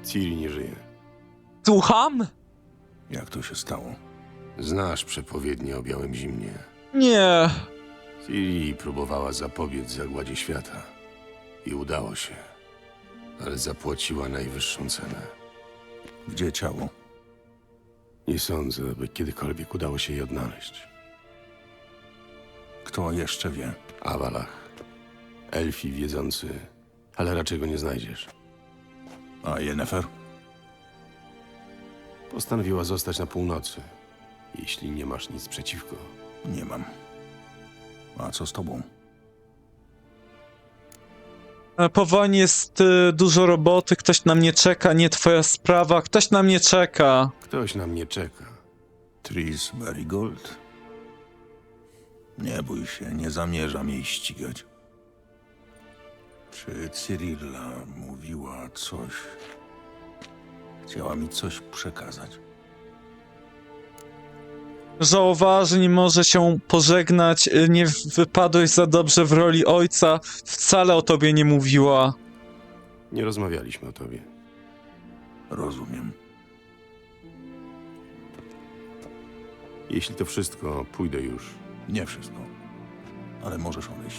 Ciri nie żyje. Słucham? Jak to się stało? Znasz przepowiednie o białym zimnie. Nie. Ciri próbowała zapobiec zagładzie świata. I udało się. Ale zapłaciła najwyższą cenę. Gdzie ciało? Nie sądzę, by kiedykolwiek udało się jej odnaleźć. Kto jeszcze wie? Awalach. Elfi wiedzący, ale raczej go nie znajdziesz. A Yennefer? Postanowiła zostać na północy. Jeśli nie masz nic przeciwko. Nie mam. A co z tobą? Po wojnie jest dużo roboty, ktoś na mnie czeka, nie twoja sprawa, ktoś na mnie czeka. Ktoś na mnie czeka. Tris Merigold? Nie bój się, nie zamierzam jej ścigać. Czy Cyrilla mówiła coś? Chciała mi coś przekazać. Żałowała, że nie może się pożegnać, nie wypadłeś za dobrze w roli ojca, wcale o tobie nie mówiła. Nie rozmawialiśmy o tobie. Rozumiem. Jeśli to wszystko, pójdę już. Nie wszystko. Ale możesz odejść.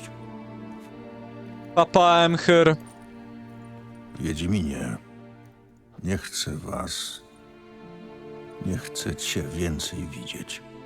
Papa Emhyr. Wiedźminie, nie chcę was... Nie chcę cię więcej widzieć.